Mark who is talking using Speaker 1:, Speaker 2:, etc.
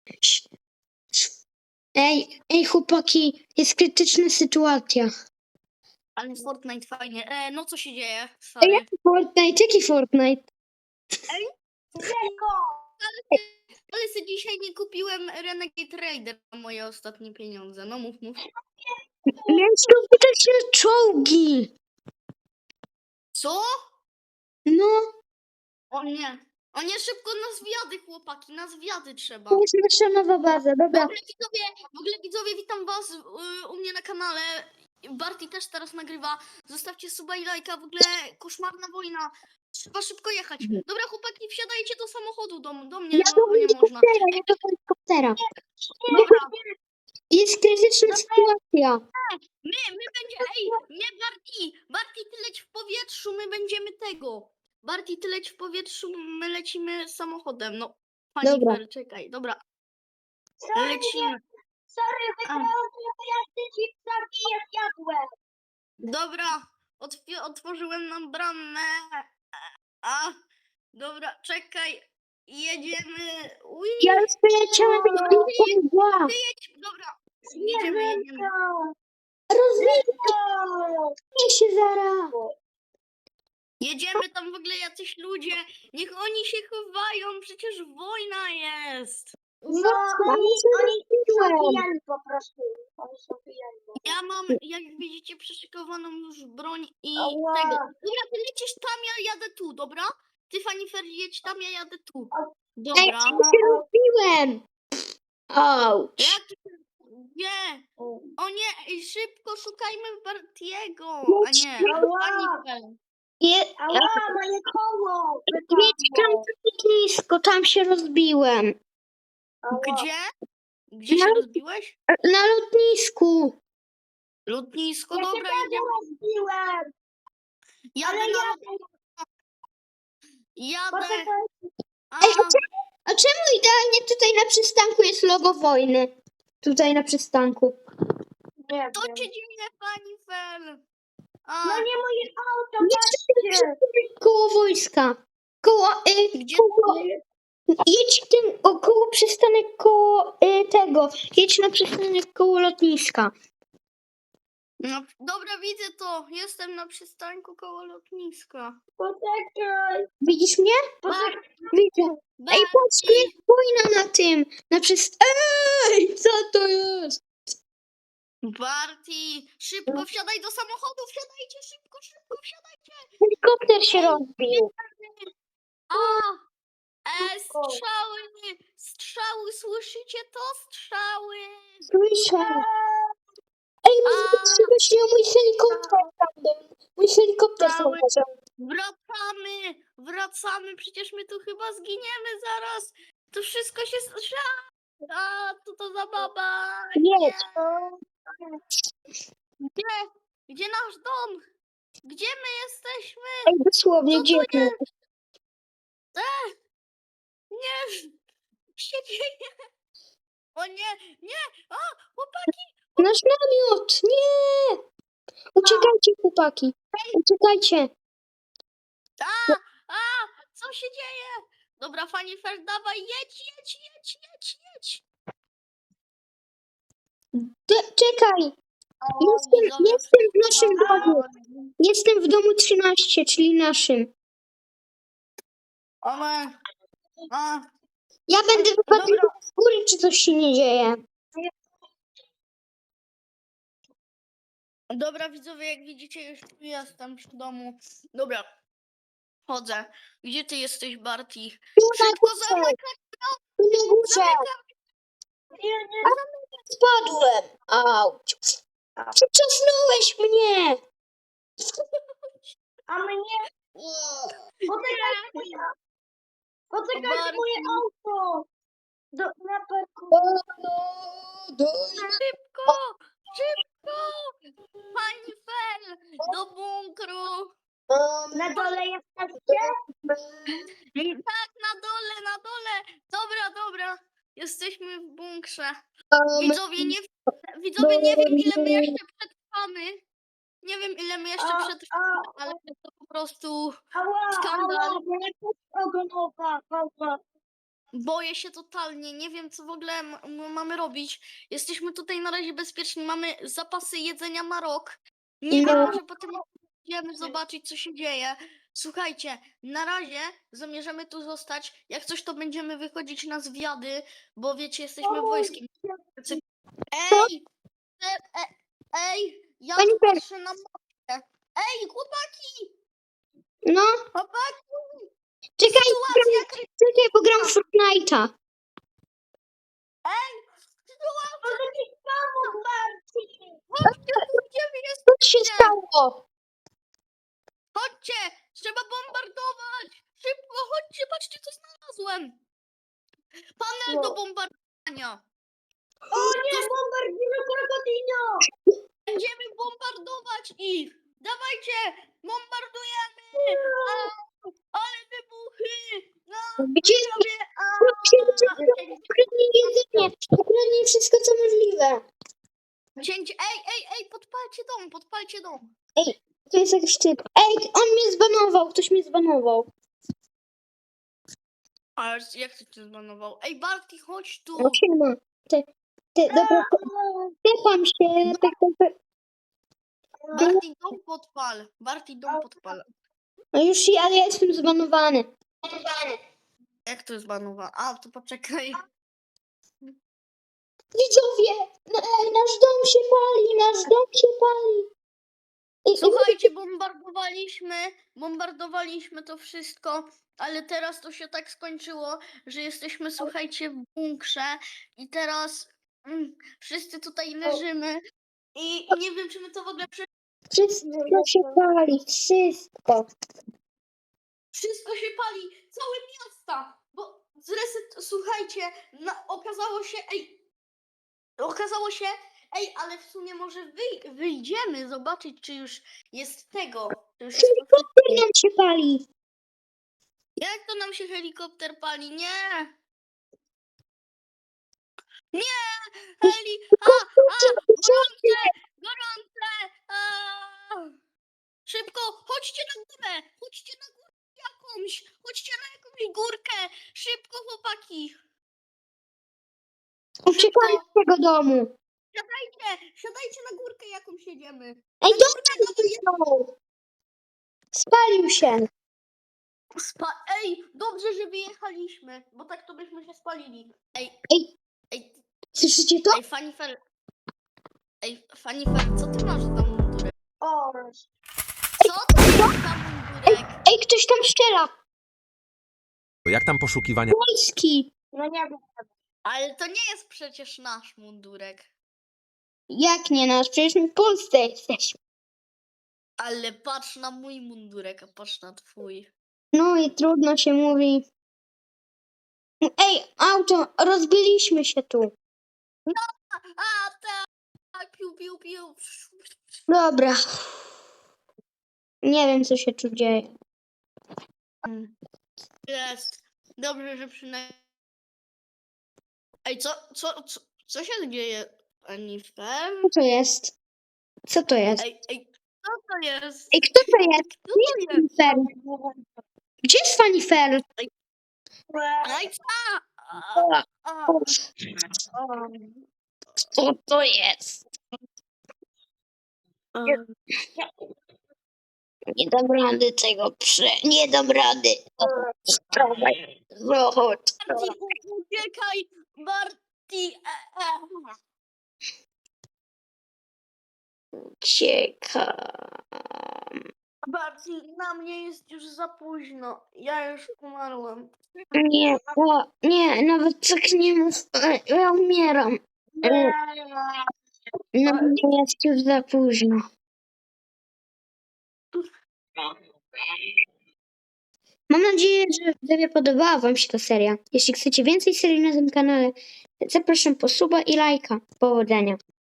Speaker 1: Ej, chłopaki, jest krytyczna sytuacja.
Speaker 2: Ale Fortnite fajnie. No co się dzieje?
Speaker 1: Ej,
Speaker 2: Sorry.
Speaker 1: jaki Fortnite? Jaki Fortnite?
Speaker 2: Ale sobie dzisiaj nie kupiłem Renegade Raider na moje ostatnie pieniądze. No mów.
Speaker 1: Miałeś kupić na czołgi.
Speaker 2: Co?
Speaker 1: No,
Speaker 2: O nie, szybko na zwiady, chłopaki, na zwiady trzeba.
Speaker 1: to jest nasza nowa baza, dobra.
Speaker 2: W ogóle widzowie, witam was u mnie na kanale. Barty też teraz nagrywa. Zostawcie suba i lajka, w ogóle koszmarna wojna. Trzeba szybko jechać. Dobra, chłopaki, wsiadajcie do samochodu, do mnie,
Speaker 1: Ja do
Speaker 2: bo nie można.
Speaker 1: helikoptera, ja do helikoptera.
Speaker 2: Dobra,
Speaker 1: Jest krytyczna sytuacja.
Speaker 2: nie Barty, ty leć w powietrzu, my będziemy tego. Barty, ty leć w powietrzu, my lecimy samochodem. No, pani
Speaker 1: Dobra.
Speaker 2: Fer, czekaj, dobra. Lecimy.
Speaker 3: Sorry, wygrałam, bo ja te chipsaki je zjadłem.
Speaker 2: Dobra, otworzyłem nam bramę. Dobra, czekaj, jedziemy. Ui.
Speaker 1: Ja już poleciałem do
Speaker 2: Jedź, dobra, jedziemy.
Speaker 1: Rozwijaj się zaraz.
Speaker 2: Jedziemy tam w ogóle jacyś ludzie. Niech oni się chowają, przecież wojna jest.
Speaker 3: No, oni są pijani po prostu. Oni są pijani.
Speaker 2: Ja mam, jak widzicie, przyszykowaną już broń i
Speaker 3: Ała.
Speaker 2: tego. Dobra, ty lecisz tam, ja jadę tu, dobra? Ty, Fanifer, jedź tam, ja jadę tu.
Speaker 1: Ej,
Speaker 2: Dobra.
Speaker 1: co się rozbiłem? Auć.
Speaker 2: Jak? Nie. O nie, ej, szybko szukajmy Bartiego. A nie,
Speaker 3: Ała.
Speaker 2: Fanifer.
Speaker 3: Ała, moje koło.
Speaker 1: Jedź tam blisko, tam się rozbiłem.
Speaker 2: Gdzie? Gdzie się rozbiłeś?
Speaker 1: Na lotnisku.
Speaker 2: Lotnisko,
Speaker 3: Ja się
Speaker 2: dobra,
Speaker 3: też
Speaker 2: jedziemy.
Speaker 3: rozbiłem.
Speaker 2: Jadę
Speaker 3: Ale
Speaker 2: na
Speaker 3: ja...
Speaker 2: lotnisko. Jadę.
Speaker 3: Poczekaj.
Speaker 2: A,
Speaker 1: A czemu idealnie tutaj na przystanku jest logo wojny? Tutaj na przystanku.
Speaker 3: Nie
Speaker 2: to
Speaker 3: wiem.
Speaker 2: się dzieje, Fanifer.
Speaker 3: No nie moje auto,
Speaker 1: Jedź
Speaker 3: patrzcie.
Speaker 1: koło wojska. Koło,
Speaker 2: Gdzie?
Speaker 1: jedź tym koło przystanek koło tego. Jedź na przystanek koło lotniska.
Speaker 2: No, dobra, widzę to. Jestem na przystanku koło lotniska.
Speaker 3: Poczekaj.
Speaker 1: Widzisz mnie?
Speaker 3: Poczekaj.
Speaker 1: Widzę. Ej, patrz, tu jest wojna na tym. Na Ej, co to jest?
Speaker 2: Barty, szybko wsiadaj do samochodu, wsiadajcie, szybko, wsiadajcie.
Speaker 1: Helikopter się rozbił.
Speaker 2: Strzały, słyszycie to? Strzały.
Speaker 1: Słyszę. Ej, właśnie mój helikopter tam był. Mój helikopter tam
Speaker 2: Cały-
Speaker 1: leżał.
Speaker 2: Wracamy, przecież my tu chyba zginiemy zaraz. To wszystko się strzela. Co to za baba?
Speaker 1: Jedź.
Speaker 2: Gdzie nasz dom? Gdzie my jesteśmy?
Speaker 1: Ej, dosłownie,
Speaker 2: Co
Speaker 1: gdzie
Speaker 2: to
Speaker 1: ty?
Speaker 2: jest? Nie, się dzieje. O nie, chłopaki.
Speaker 1: Nasz namiot! Nie! Uciekajcie, chłopaki. Uciekajcie.
Speaker 2: Co się dzieje? Dobra, Fanifer, dawaj, jedź.
Speaker 1: Czekaj. Jestem w naszym domu. Jestem w domu 13, czyli naszym.
Speaker 2: Ale...
Speaker 1: Ja będę wypatrywał z góry, czy coś się nie dzieje.
Speaker 2: Dobra, widzowie, jak widzicie, już tu jestem przy domu. Dobra, chodzę. Gdzie ty jesteś, Barty?
Speaker 1: Tu na
Speaker 2: Szybko
Speaker 1: górze.
Speaker 2: zamykaj,
Speaker 1: Tu na górze. Spadłem. Auć. Przyczosnąłeś mnie.
Speaker 3: A mnie... Poczekaj. Poczekaj,
Speaker 2: Barty.
Speaker 3: moje auto. Na parku.
Speaker 2: szybko! Fanifer, do bunkru!
Speaker 3: Na dole jesteście?
Speaker 2: Tak, na dole! Dobra. Jesteśmy w bunkrze. Widzowie, nie wiem, ile my jeszcze przetrwamy. Nie wiem, ile my jeszcze przetrwamy, ale to po prostu
Speaker 3: Ała,
Speaker 2: skandal.
Speaker 3: ała, bo jakaś ogonowa.
Speaker 2: Boję się totalnie, nie wiem co w ogóle mamy robić. Jesteśmy tutaj na razie bezpieczni, mamy zapasy jedzenia na rok. Nie wiem,
Speaker 1: No.
Speaker 2: może potem idziemy zobaczyć, co się dzieje. Słuchajcie, na razie zamierzamy tu zostać. Jak coś, to będziemy wychodzić na zwiady, bo wiecie, jesteśmy wojskiem. Ej! Ej! Ja
Speaker 1: Pani
Speaker 2: tu
Speaker 1: Fer-
Speaker 2: patrzę na mapę. Ej, chłopaki!
Speaker 1: No,
Speaker 2: Chłopaki!
Speaker 1: czekaj,
Speaker 2: Sytuacja
Speaker 1: czekaj, bo gram w Fortnite'a.
Speaker 2: sytuacja!
Speaker 3: Może ci pomógł, Marcin.
Speaker 2: Chodźcie tu, gdzie wy
Speaker 1: Co się
Speaker 2: jesteście?
Speaker 1: stało?
Speaker 2: Chodźcie! Trzeba bombardować! Szybko, chodźcie, patrzcie, co znalazłem! Panel do bombardowania!
Speaker 3: O nie, bombardino krokodilo.
Speaker 2: Będziemy bombardować ich! Dawajcie! Bombardujemy! A, ale wybuchy! No,
Speaker 1: Gdzie
Speaker 2: widzowie!
Speaker 1: ukradnij jedzenie? Ukradnij wszystko, co możliwe.
Speaker 2: Cięcie! Ej, podpalcie dom!
Speaker 1: To jest jakiś typ. Ej, on mnie zbanował, ktoś mnie zbanował.
Speaker 2: Ale jak to cię zbanował? Ej, Barty, chodź tu!
Speaker 1: No siema. Dobra, tepam się.
Speaker 2: Barty, dom podpal! Barty, dom podpal!
Speaker 1: No już, ale ja jestem zbanowany.
Speaker 2: Jak to jest zbanowane? A, to poczekaj.
Speaker 1: Widzowie, nasz dom się pali, nasz dom się pali.
Speaker 2: Słuchajcie, bombardowaliśmy to wszystko, ale teraz to się tak skończyło, że jesteśmy, słuchajcie, w bunkrze i teraz wszyscy tutaj leżymy i nie wiem, czy my to w ogóle
Speaker 1: Wszystko się pali, wszystko.
Speaker 2: Wszystko się pali, całe miasta, bo słuchajcie, okazało się, ale w sumie może wyjdziemy zobaczyć, czy już jest tego, czy już jest
Speaker 1: Helikopter nam się pali.
Speaker 2: Jak to nam się helikopter pali? Nie! Nie! Gorące! Gorące! Szybko! Chodźcie na górę! Chodźcie na górę jakąś! Chodźcie na jakąś górkę! Szybko, chłopaki!
Speaker 1: Uciekamy z tego domu.
Speaker 2: Siadajcie na górkę jakąś jedziemy!
Speaker 1: Ej,
Speaker 2: Na
Speaker 1: dobrze
Speaker 2: górkę,
Speaker 1: wyjechał. Spalił się.
Speaker 2: Ej, dobrze, że wyjechaliśmy, bo tak to byśmy się spalili.
Speaker 1: Ej,
Speaker 2: Ej,
Speaker 1: słyszycie to?
Speaker 2: Fanny Fel, co ty masz za mundurek?
Speaker 3: O,
Speaker 2: Co to jest za mundurek?
Speaker 1: Ej, ktoś tam strzela.
Speaker 4: Jak tam poszukiwania?
Speaker 1: Polski.
Speaker 3: no nie wiem.
Speaker 2: Ale to nie jest przecież nasz mundurek.
Speaker 1: Jak nie nasz? Przecież my w Polsce jesteśmy.
Speaker 2: Ale patrz na mój mundurek, a patrz na twój.
Speaker 1: No i trudno się mówi. Ej, auto, rozbiliśmy się tu.
Speaker 2: A tak, piu.
Speaker 1: Dobra. Nie wiem, co się tu dzieje.
Speaker 2: Jest. Dobrze, że przynajmniej... Ej, co się dzieje, Anifer?
Speaker 1: Co to jest? Co to jest?
Speaker 2: Ej, co to jest?
Speaker 1: Ej, kto to jest?
Speaker 2: Kto to jest?
Speaker 1: Fanifer. Gdzie jest Fanifer?
Speaker 2: Ej,
Speaker 1: Co to jest? Nie dam rady tego Nie dam rady. Chodź.
Speaker 2: Barty, uciekaj! Barty!
Speaker 1: Uciekam.
Speaker 2: Barty, na mnie jest już za późno. Ja już umarłem.
Speaker 1: Nie, nawet tak nie mów. Ja umieram. Na mnie jest już za późno. Mam nadzieję, że widzowie podobała wam się ta seria. Jeśli chcecie więcej serii na tym kanale, zapraszam po suba i lajka. Powodzenia.